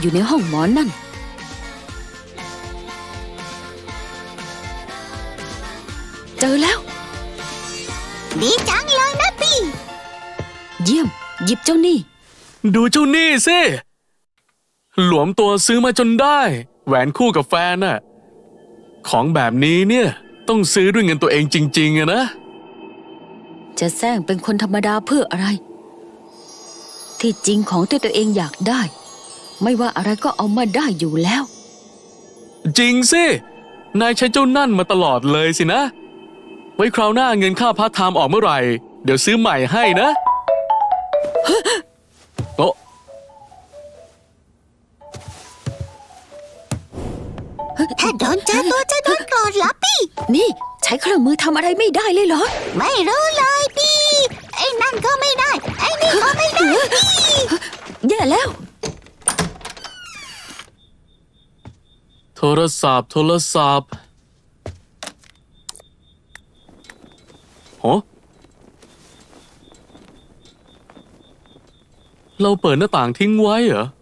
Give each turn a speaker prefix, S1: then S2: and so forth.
S1: อยู่ในห้องหมอนั่นเจอแล้ว
S2: ดีจังเลยนะพี่
S1: เยี่ยมหยิบเจ้านี่
S3: ดูเจ้านี่สิหลวมตัวซื้อมาจนได้แหวนคู่กับแฟนน่ะของแบบนี้เนี่ยต้องซื้อด้วยเงินตัวเองจริงๆอะนะ
S1: จะแซงเป็นคนธรรมดาเพื่ออะไรที่จริงของที่ตัวเองอยากได้ไม่ว่าอะไรก็เอามาได้อยู่แล้ว
S3: จริงสินายใช้เจ้านั่นมาตลอดเลยสินะไว้คราวหน้าเงินค่าพาร์ทไทม์ออกเมื่อไหร่เดี๋ยวซื้อใหม่ให้นะโอ้
S2: ถ้าโดนเจอตัวจะโดนโกรธเหรอพี่
S1: นี่ใช้เครื่องมือทำอะไรไม่ได้เลยเหรอ
S2: ไม่รู้เลยพี่ไอ้นั่นก็ไม่ได้ไอ้นี่ก็ไม่ได้พี่
S1: แย่แล้ว
S3: โทรศัพท์โอ้เราเปิดหน้าต่างทิ้งไว้เหรอ